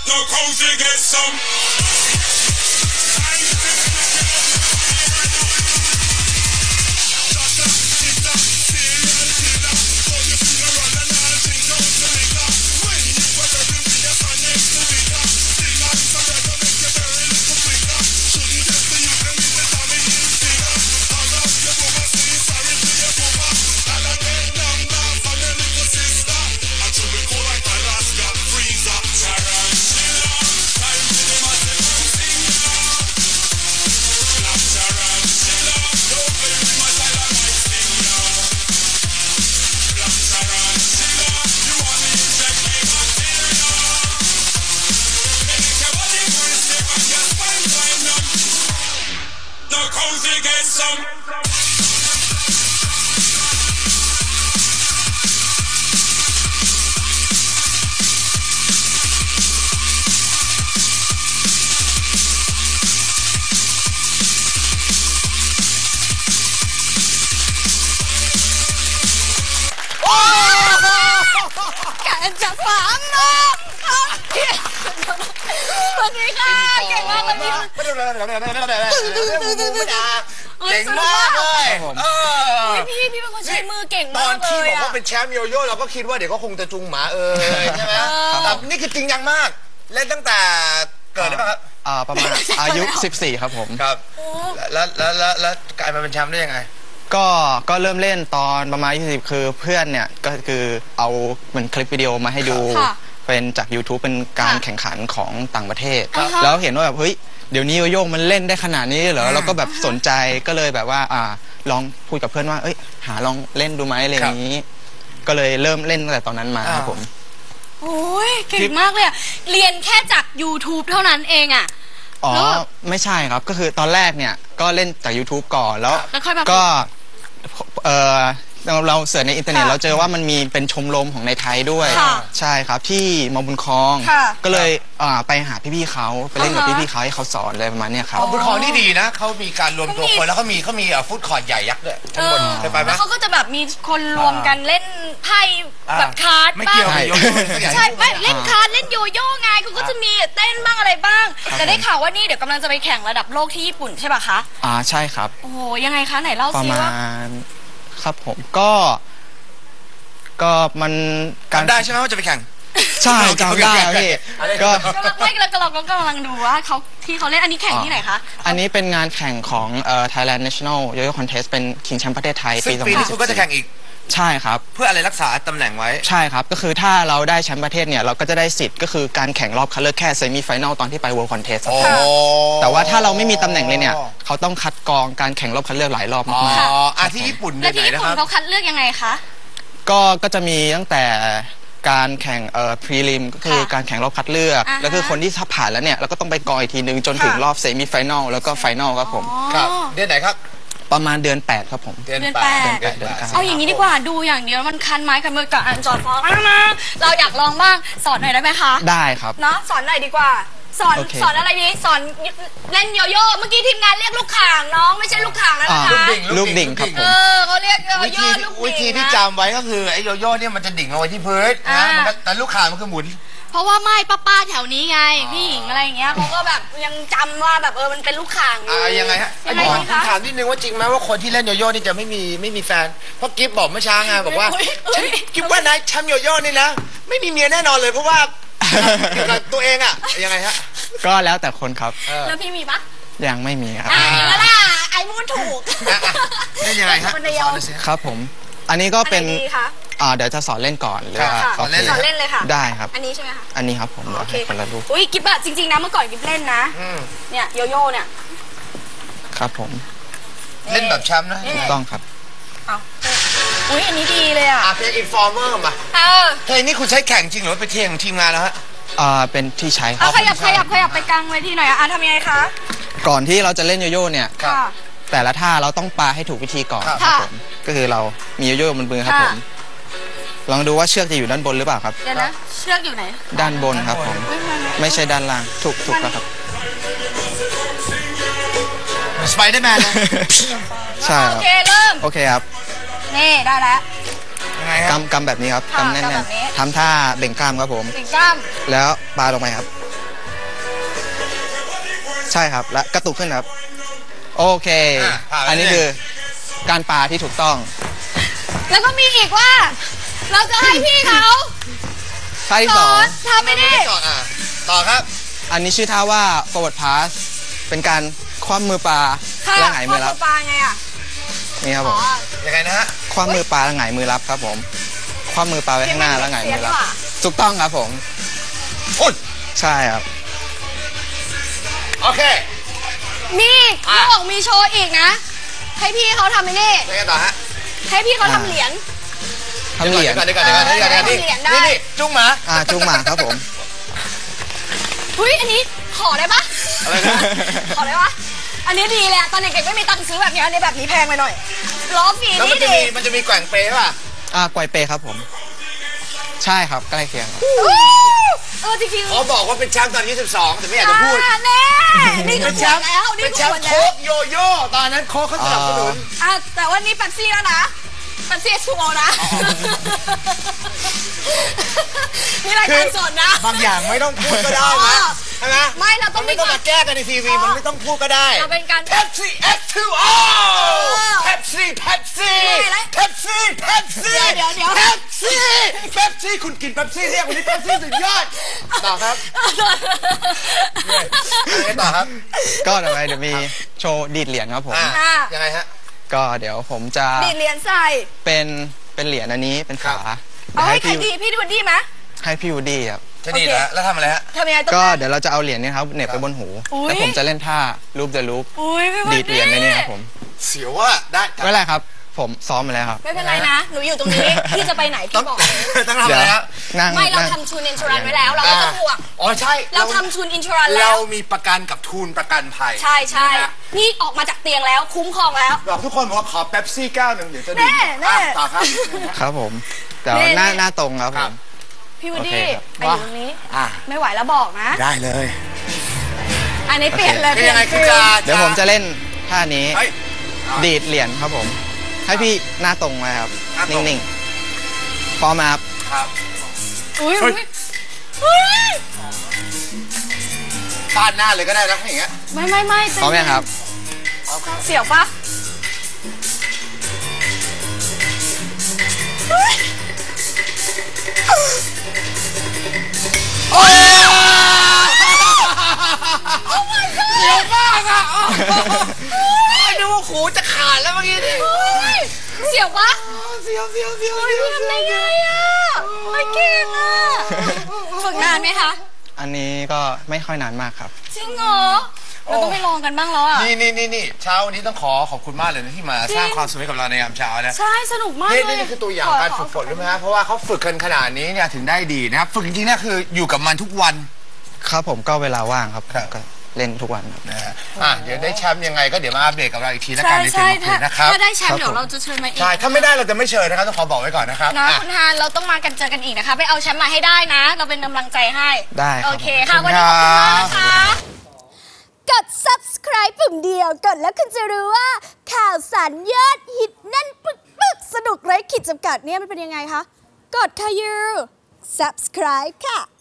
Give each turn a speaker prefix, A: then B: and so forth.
A: จะฝังนะสวัสดีค่ะเก่งมากเลยพี่
B: เก่งมากเลย
A: พี่เป็นคนใช้มือเก่ง
B: ตอ
A: มาน ก
B: ที่
A: เลย
B: บอกว่าเป็นแชมป์โยโย่เราก็คิดว่าเดี๋ยวก็คงจะจุงหมาใช่ไหมแต่นี่คือจริงจังมากเล่นตั้งแต่เกิดได้ป่ะครับ
C: ประมาณอายุ14ครับผม
B: ครับแล้วกลายมาเป็นแชมป์ได้ยังไง
C: ก็เริ่มเล่นตอนประมาณ20คือเพื่อนเนี่ยก็คือเอาเหมือนคลิปวิดีโอมาให้ดูเป็นจาก YouTube เป็นการแข่งขันของต่างประเทศแล้วเห็นว่าแบบเฮ้ยเดี๋ยวนี้โยโย่มันเล่นได้ขนาดนี้เหรอเราก็แบบสนใจก็เลยแบบว่าลองพูดกับเพื่อนว่าเอ้ยหาลองเล่นดูไหมอะไรอย่างนี้ก็เลยเริ่มเล่นตั้งแต่ตอนนั้นมาครับผม
A: โอ้ยเก่งมากเลยเรียนแค่จาก YouTube เท่านั้นเอง
C: อ๋อไม่ใช่ครับก็คือตอนแรกเนี่ยก็เล่นจาก YouTube ก่อนแล้วก็เราเสิร์ชในอินเทอร์เน็ตเราเจอว่ามันมีเป็นชมรมของในไทยด้วยใช่ครับที่มอบุญคลองก็เลยไปหาพี่ๆเขาไปเล่นกับพี่ๆเขาให้เขาสอนอะไรประมาณนี้ครับ
B: มอบุญคลองนี่ดีนะเขามีการรวมตัวคนแล้วเขามีฟู้ดคอร์ทใหญ่ยักษ์ด้วยทั้งหมดเคยไปไหม
A: แล้วเขาก็จะแบบมีคนรวมกันเล่นไพ่แบบคาร์ด
B: ไม่เกี่ยวกับโยโย่
A: ใช่ไม่เล่นคาร์ดเล่นโยโย่ไงเขาก็จะมีเต้นบ้างอะไรบ้างแต่ได้ข่าวว่านี่เดี๋ยวกำลังจะไปแข่งระดับโลกที่ญี่ปุ่นใช่ป่ะคะ
C: ใช่ครับ
A: โอ้โหยังไงคะไหนเล่าซิว่า
C: ครับผมก็มัน
B: การได้ใช่ไหมว่าจะไปแข่ง
C: ใช่จำได้พี่
A: ก็ไม่เรากำลังดูว่าเขาที่เขาเล่นอันนี้แข่งที่ไหนคะ
C: อันนี้เป็นงานแข่งของThailand National Yo-Yo Contest เป็นชิงแชมป์ประเทศไทย
B: ปีนี้คุณก็จะแข่งอีก
C: ใช่ครับ
B: เพื่ออะไรรักษาตำแหน่งไว้
C: ใช่ครับก็คือถ้าเราได้แชมป์ประเทศเนี่ยเราก็จะได้สิทธิ์ก็คือการแข่งรอบคัดเลือกแค่เซมิไฟแนลตอนที่ไป World Contest แต่ว่าถ้าเราไม่มีตำแหน่งเลยเนี่ยเขาต้องคัดกรองการแข่งรอบคัดเลือกหลายรอบมาก
B: ที่ญี่ปุ่น
A: แล้วที่ญี่ปุ่นเขาคัดเลือกยังไงคะ
C: ก็จะมีตั้งแต่การแข่งพรีลิมก็คือการแข่งรอบคัดเลือกแล้วคือคนที่ถ้าผ่านแล้วเนี่ยเราก็ต้องไปกรองอีกทีนึงจนถึงรอบเซมิไฟแนลแล้วก็ไฟแนลครับผม
B: ครับเดือนไหนครับ
C: ประมาณเดือน8ครับผม
A: เดือน8เอาอย่างนี้ดีกว่าดูอย่างเดียวมันคันไม้คันมือกับอันจอดฟ้องนะเราอยากลองบ้างสอนหน่อยได้ไหมคะ
C: ได้ครับ
A: เนาะสอนหน่อยดีกว่าสอนอะไรดีสอนเล่นโยโย่เมื่อกี้ทีมงานเรียกลูกข่างน้องไม่ใช่ลูกข่างแล้วนะคะ
C: ลูกดิ่งครับผม
A: เขาเรียกโยโย่ลูกดิ่ง
B: วิธีที่จำไว้ก็คือไอ้โยโย่เนี่ยมันจะดิ่งลงไปที่พื้นนะแต่ลูกข่างมันคือหมุน
A: เพราะว่าไม่ป้าแถวนี้ไงพี่หญิงอะไรอย่างเงี้ยเขาก็แบบยังจำว่าแบบมันเป็นลูกข่าง
B: ยังไงฮะถามนิดนึงว่าจริงไหมว่าคนที่เล่นโยโย่นี่จะไม่มีแฟนเพราะกิฟบอกเมื่อเช้าไงบอกว่ากิฟว่านายแชมป์โยโย่นี่นะไม่มีเมียแน่นอนเลยเพราะว่าตัวเองยังไงฮะ
C: ก็แล้วแต่คนครับ
A: แล้วพี่มีปะ
C: ยังไม่มีครับ
A: แล้วล่ะไอ้พูดถูก
B: นี่ยังไงฮะ
C: ครับผมอันนี้ก็เป็นเดี๋ยวจะสอนเล่นก่อนหรือ
A: สอนเล่นเลยค่ะ
C: ได้ครับ
A: อันนี้ใช่ไหมคะ
C: อันนี้ครับผมโอเคคนละรูป
A: อุ้ยกิ๊บอะจริงๆนะเมื่อก่อนกิ๊บเล่นนะเนี่ยโยโย่เนี่ย
C: ครับผม
B: เล่นแบบแชมป์นะ
C: ถูกต้องครับ
A: อุ้ยอันนี้ดีเลย
B: เพลงอินฟอร์เมอร์มาเพลงนี้คุณใช้แข่งจริงหรือเป็นเพลงของทีมงานแล้วฮะ
C: เป็นที่ใช้ครับ
A: ขยับไปกลางเวทีหน่อยทำยังไงคะ
C: ก่อนที่เราจะเล่นโยโย่เนี่ยแต่ละท่าเราต้องปาให้ถูกวิธีก่อนครับผมก็คือเรามีโยโย่บนมือครับผมลองดูว่าเชือกจะอยู่ด้านบนหรือเปล่าครับ
A: เดี๋ยวนะเชือกอยู่ไหน
C: ด้านบนครับผมไม่ใช่ด้านล่างถูกแล้วครับ
B: สไปเดอร์แมนนะ
C: ใช่
A: โอเคเริ่ม
C: โอเคครับ
A: นี่ได้แล้ว
C: กำแบบนี้ครับกำแน่นๆทำท่าเบ่งกล้ามครับผม
A: เบ่งกล้าม
C: แล้วปาลงไปครับใช่ครับและกระตุกขึ้นครับโอเคอันนี้คือการปาที่ถูกต้อง
A: แล้วก็มีอีกว่า เราจะให้พี่เขา
C: ท่าที่ 2
A: ทำไปดิ
B: ต่อครับ
C: อันนี้ชื่อท่าว่า forward pass เป็นการคว่ำมือปลาและหงายมือรับ
A: ปลาไงอ่ะ
C: นี่ครับผม
B: ยังไงนะฮะ
C: คว่ำมือปลาและหงายมือรับครับผมคว่ำมือปลาไว้ข้างหน้าแล้วหงายมือรับถูกต้องครับผมใช่ครับ
B: โอเค
A: มีเขาบอกมีโชว์อีกนะให้พี่เขาทำไอ้นี่
B: ยังไงต่อฮะ
A: ให้พี่เขาทำเหรียญ
C: เดี๋ยว
B: นี่จุ้งหมา
C: จุ้งหมาครับผม
A: เฮ้ยอันนี้ขอได้ปะ
B: อะไรนะ
A: ขอได้ปะอันนี้ดีเลยตอนเด็กๆไม่มีตังค์ซื้อแบบนี้อันนี้แบบนี้แพงไปหน่อยล้อฟรี
B: แล้ว
A: มัน
B: จะมีแกว่งเปย์ป่ะ
C: แกว่งเปย์ครับผมใช่ครับใกล้เคียง
A: จริงๆ
B: เขาบอกว่าเป็นแชมป์ตอน22แต่ไม่อยากจะพูด
A: นี่เป็นแชมป์แล้ว
B: เป็นแชมป์โค้กโยโย่ตอนนั้นโค้กเขาสนับสนุน
A: แต่ว่านี่เป๊ปซี่แล้วนะเป๊ปซี่ชูโอนะนี่รายการสดนะ
B: บางอย่างไม่ต้องพูดก็ได้นะใช่ไหม
A: ไม่เราต้อง
B: ไม่ต้องมาแก้กันในทีวีมันไม่ต้องพูดก็ได้
A: เราเป็นการ
B: Pepsi F2O Pepsi Pepsi Pepsi Pepsi
A: เดี๋ยว
B: Pepsi Pepsi คุณกิน Pepsi เรียกวันนี้ Pepsi สุดยอดต่อครับต่อครับ
C: ก็ต่อไปเดี๋ยวมีโชว์ดีดเหรียญครับผม
B: ยังไงฮะ
C: ก็เดี๋ยวผมจะ
A: ดีดเหรียญใส่
C: เป็นเหรียญอันนี้เป็นฝา
A: ให้ใครดีพี่วูดดี้ไหม
C: ให้พี่วูดดี้ครับ
B: จะดีแล้วทำอะไรฮะ
A: ทำยังไง
C: ก็เดี๋ยวเราจะเอาเหรียญนี้ครับเหน็บไปบนหูแล้วผมจะเล่นท่าลูปเดอะลูปดีดเหรียญในนี้ครับผม
B: เสียวว่าได้
C: ไม่เป็นไรครับผมซ้อมมาแล้วครับ
A: ไม่เป็นไรนะหนูอยู่ตรงนี้พี่จะไปไหนพี่บอก
B: ต้องทำอะไรครับ
A: ไม่เราทำทูนอินชูรันไว้แล้วเราไม่ต้องห่วง
B: ใช่
A: เราทำทูนอินชูรันแล้ว
B: เรามีประกันกับทูนประกันภัย
A: ใช่นี่ออกมาจากเตียงแล้วคุ้มครองแล้ว
B: บอกทุกคนบอกว่าขอเป๊ปซี่แก้วหนึ่งเดี๋ยวจะดื่มต่อครับ
C: ครับผมเดี๋ยวหน้าตรงครับผม
A: พี่วูดดี้ไปอยู่ตรงนี้ไม่ไหวแล้วบอกนะ
B: ได้เลย
A: อันนี้เปลี่ยนเลย
B: ยังไงคือ
C: เดี๋ยวผมจะเล่นท่านี้ดีดเหรียญครับผมให้พี่หน้าตรงไว้ครับนิ่งๆพร้อมครับ
A: อุ้ย
B: ฟาดหน้าเลยก็ได้นะอย่างเงี้ย
A: ไม่
C: พร้อมไหมครับ
A: เสียวปะ
B: โอ้ยเสียวมากอ่ะดูว่าหูจะขาดแล้วเมื่อกี้นี่
A: เสียวปะ
B: เสียว
A: ทำได้ไงอ่ะไม่เก่งอ่ะฝึกนานไหมคะ
C: อันนี้ก็ไม่ค่อยนานมากครับ
A: จริงเหรอเราต้องไปลองกันบ้างแล้วอ่ะ
B: นี่เช้าวันนี้ต้องขอบคุณมากเลยนะที่มาสร้างความสุขให้กับเราในยามเช้านะ
A: ใช่สนุกมากเลย
B: นี่คือตัวอย่างการฝึกฝนใช่ไหมฮะเพราะว่าเขาฝึกกันขนาดนี้เนี่ยถึงได้ดีนะครับฝึกจริงๆเนี่ยคืออยู่กับมันทุกวัน
C: ครับผมก็เวลาว่างครับก็เล่นทุกวัน
B: นะฮะเดี๋ยวได้แชมป์ยังไงก็เดี๋ยวมาอัปเดตกับเราอีกทีแล้วกันในเฟซบุ๊กนะครับ
A: ถ้าได้แชมป์เดี๋ยวเราจะเชิญมาอีก
B: ใช่ถ้าไม่ได้เราจะไม่เชิญนะครับต้องขอบอกไว้ก่อนนะครับ
A: นะคุณฮานเราต้องมากันเจอกันอีกนะคะไปเอาแชมป์มาให้ได้นะเราเป็นกำลังใจให้
C: ได้
A: โอเคค่ะวันนี้ขอบคุณมากนะคะกด subscribe ปุ่มเดียวกดแล้วคุณจะรู้ว่าข่าวสารยอดฮิตแน่นปึ๊กสนุกไร้ขีดจำกัดเนี่ยมันเป็นยังไงคะกดค่ะยู subscribe ค่ะ